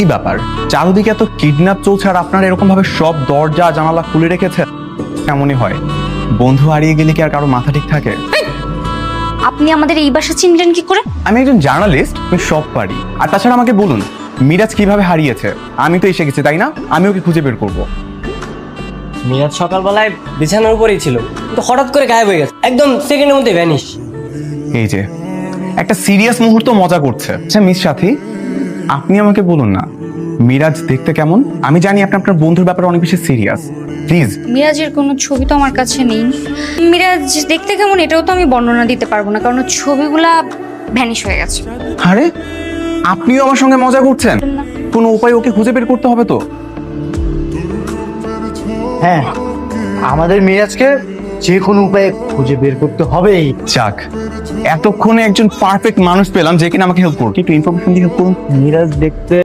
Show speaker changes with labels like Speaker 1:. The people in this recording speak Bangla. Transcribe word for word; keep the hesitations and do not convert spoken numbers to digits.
Speaker 1: কি ব্যাপার, চারদিকে এত কিডন্যাপ চলছে আর আপনারা এরকম ভাবে সব দরজা জানালা খুলে রেখেছেন? কেমনই হয়, বন্ধু হারিয়ে গেলে কি আর কারো মাথা ঠিক থাকে?
Speaker 2: আপনি আমাদের এই বাসা চিনলেন কি করে?
Speaker 1: আমি একজন জার্নালিস্ট, আমি সব পারি। আর তাছাড়া আমাকে বলুন, মিরাজ কিভাবে হারিয়েছে? আমি তো এসে গেছি, তাই না? আমি ওকে খুঁজে বের করবো।
Speaker 3: মিরাজ সকালবেলায় বিছানার উপরেই ছিল, কিন্তু হঠাৎ করে গায়েব হয়ে গেছে, একদম সেকেন্ডের মধ্যে ভ্যানিশ।
Speaker 1: এই যে একটা সিরিয়াস মুহূর্ত মজা করছে। আচ্ছা মিস সাথী, আপনি আমাকে বলুন না, মিরাজ দেখতে কেমন? আমি জানি আপনি আপনার বন্ধুর ব্যাপারে অনেক বেশি সিরিয়াস, প্লিজ।
Speaker 2: মিরাজের কোনো ছবি তো আমার কাছে নেই। মিরাজ দেখতে কেমন এটাও তো আমি বর্ণনা দিতে পারবো না, কারণ ওর ছবিগুলা ভ্যানিশ হয়ে গেছে।
Speaker 1: আরে আপনিও আমার সঙ্গে মজা করছেন? কোনো উপায় ওকে খুঁজে বের করতে হবে তো।
Speaker 4: হ্যাঁ, আমাদের মিরাজকে যে কোনো উপায়ে খুঁজে বের করতে হবেই।
Speaker 1: যাক, এতক্ষণে একজন পারফেক্ট মানুষ পেলাম যে কিনা আমাকে হেল্প করুন। একটু ইনফরমেশন দিয়ে হেল্প করুন।
Speaker 4: মিরাজ দেখতে